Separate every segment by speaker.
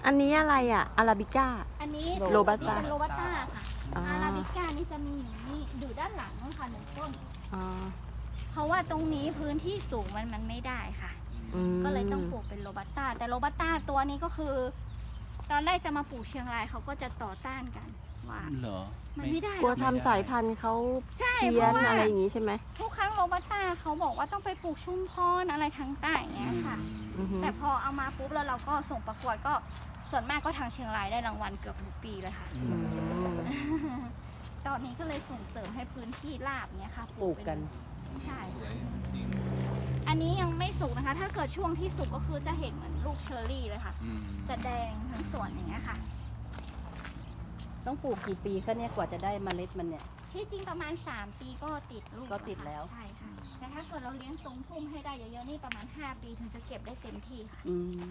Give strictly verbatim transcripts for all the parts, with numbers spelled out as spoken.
Speaker 1: อันนี้อะไรอ่ะอาราบิก้า
Speaker 2: อันนี้
Speaker 1: โรบัสต้า
Speaker 2: เป็นโรบัสต้าค่ะ
Speaker 1: อ๋ออ
Speaker 2: อาราบิก้านี่จะมีอยู่นี่อยู่ด้านหลังนู่นค่ะหนึ่งต้น
Speaker 1: อ๋อ
Speaker 2: เพราะว่าตรงนี้พื้นที่สูงมันมันไม่ได้ค่ะ
Speaker 1: อืม
Speaker 2: ก็เลยต้องปลูกเป็นโรบัสต้า แต่โรบัสต้าตัวนี้ก็คือ ตอนแรกจะมาปลูกเชียงรายเขาก็จะต่อต้านกันว่า
Speaker 3: เหรอ
Speaker 2: มันไม่ได้ห
Speaker 1: กลั
Speaker 2: ร
Speaker 1: ว
Speaker 2: อก
Speaker 1: ทำสายพันธุ์เขา
Speaker 2: ใช่
Speaker 1: เพี้
Speaker 2: เพ
Speaker 1: ยน
Speaker 2: ราะว่า
Speaker 1: อะไรอย่างงี้ใช่ไหม
Speaker 2: ทุกครั้งโรบัสต้าเขาบอกว่าต้องไปปลูกชุมพรอะไรทางใต้อย่างเงี้ยค่ะ
Speaker 1: อือฮึ
Speaker 2: แต่พอเอามาปุ๊บแล้วเราก็ส่งประกวดก็ส่วนมากก็ทางเชียงรายได้รางวัลเกือบทุกปีเลยค่ะ
Speaker 3: อื
Speaker 1: อื
Speaker 3: ม
Speaker 1: ม
Speaker 2: ตอนนี้ก็เลยส่งเสริมให้พื้นที่ราบเนี้ยค่ะ
Speaker 4: ปลูกกัน
Speaker 2: ใช่ อันนี้ยังไม่สุกนะคะ ถ้าเกิดช่วงที่สุกก็คือจะเห็นเหมือนลูกเชอร์รี่เลยค่ะ
Speaker 3: อืม
Speaker 2: จะแดงทั้งสวนอย่างเงี้ยค่ะ
Speaker 4: ต้องปลูกกี่ปีคะเนี่ยกว่าจะได้เมล็ดมันเนี่ย
Speaker 2: ที่จริงประมาณสามปีก็ติดลูก
Speaker 4: ก็ติดแล้ว
Speaker 2: ใช่ค่ะ แต่ถ้าเกิดเราเลี้ยงทรงพุ่มให้ได้เยอะๆนี่ประมาณห้าปีถึงจะเก็บได้เต็มที่ค่ะ
Speaker 4: อืม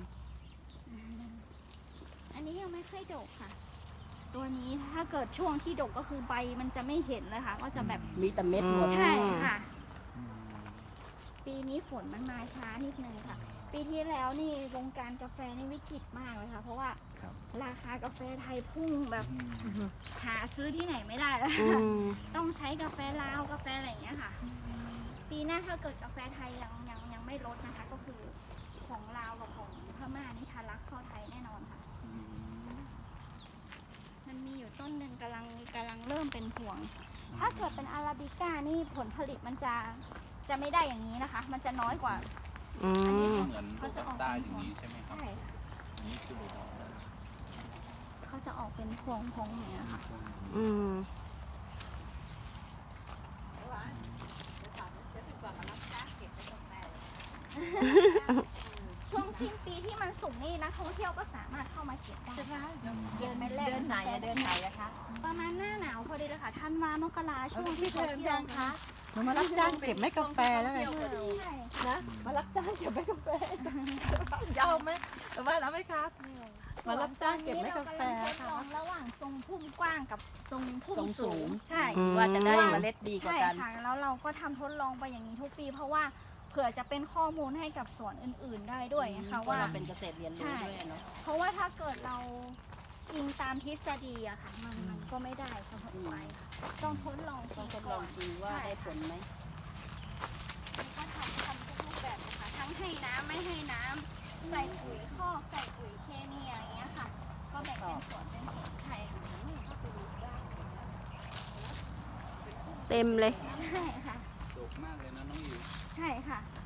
Speaker 2: อันนี้ยังไม่ค่อยดกค่ะ ตัวนี้ถ้าเกิดช่วงที่ดกก็คือใบมันจะไม่เห็นเลยค่ะ ก็จะแบบ
Speaker 4: มีแต่เม็ดหมด
Speaker 2: ใช่ค่ะ
Speaker 3: อืม
Speaker 2: ปีนี้ฝนมันมาช้านิดนึงค่ะ ปีที่แล้วนี่วงการกาแฟนี่วิกฤตมากเลยค่ะ เพราะว่า
Speaker 3: ครับ
Speaker 2: ราคากาแฟไทยพุ่งแบบ
Speaker 3: อืม
Speaker 2: หาซื้อที่ไหนไม่ได้แล้ว
Speaker 1: อื
Speaker 2: ค่ะ
Speaker 1: ม
Speaker 2: ต้องใช้กาแฟลาวกาแฟอะไรอย่างเงี้ยค่ะ ปีหน้าถ้าเกิดกาแฟไทยยังยังยังไม่ลดนะคะ ก็คือของลาวกับของพม่านี่ทะลักเข้าไทยแน่นอนค่ะ
Speaker 3: อืม
Speaker 2: มันมีอยู่ต้นหนึ่งกำลังกำลังเริ่มเป็นพวง ถ้าเกิดเป็นอาราบิก้านี่ผลผลิตมันจะจะไม่ได้อย่างนี้นะคะ มันจะน้อยกว่า
Speaker 1: อืม
Speaker 3: เหมือนโรบัสต้าอย่างนี้ใช่ไหมครับ
Speaker 2: ใช่ค่ะ
Speaker 3: อันนี้คือโรบัสต้า
Speaker 2: เขาจะออกเป็นพวงพวงอย่างเงี้ยค่ะ
Speaker 1: อืม
Speaker 2: ช่วงสิ้นปีที่มันสูงนี่นักท่องเที่ยวก็สามารถเข้ามาเก็บได้ เดินไปแรก
Speaker 4: เดินไหนอะเดินไหนอะคะ
Speaker 2: ประมาณหน้าหนาวพอดีเลยค่ะธันวามกราช่วงที่เขาเที่ยวคะ
Speaker 4: หนูมารับจ้างเก็บเม็ดกาแฟแล้วไง
Speaker 2: ใช่
Speaker 4: นะมารับจ้างเก็บเม็ดกาแฟยาวไหมหรือว่ารับไหมครับ มารับจ้างเก็บเม็ดกาแฟ
Speaker 2: ทดลองระหว่างทรงพุ่มกว้างกับทรงพุ่ม
Speaker 4: ทรงสู
Speaker 2: สู
Speaker 4: ง
Speaker 2: ง ใช่
Speaker 1: อืม
Speaker 4: ว่าจะได้เมล็ดดีกว่า
Speaker 2: ใช่
Speaker 4: กัน
Speaker 2: ค่ะแล้วเราก็ทำทดลองไปอย่างนี้ทุกปี เพราะว่าเผื่อจะเป็นข้อมูลให้กับสวนอื่น ๆได้ด้วยนะคะ
Speaker 4: ว่า
Speaker 2: ว่า
Speaker 4: เราเป็นเกษตรเรียนรู้ด้วยเนาะ
Speaker 2: เพราะว่าถ้าเกิดเราอิงตามทฤษฎีอะค่ะ มันมันก็ไม่ได้เสมอไปค่ะต้องทดลองจ
Speaker 4: ต้
Speaker 2: ริ
Speaker 4: อง
Speaker 2: ง
Speaker 4: ทดล
Speaker 2: ก่
Speaker 4: อ
Speaker 2: อง น
Speaker 4: จริงว่าได้ผลไหม
Speaker 2: แล้วก็ทำทำทุกรูปแบบเลยค่ะทั้งให้น้ำไม่ให้น้ำใส่ปุ๋ยคอกใส่ปุ๋ยเคมีอะไรอย่างเงี้ยค่ะ ก็แบ่งเป็นส่วนเป็นส่วนใช่ค่ะ
Speaker 1: เต็มเลย
Speaker 2: ใช่ค่ะ
Speaker 3: โดกมากเลยนะน้องอิ๋ว
Speaker 2: ใช่ค่ะ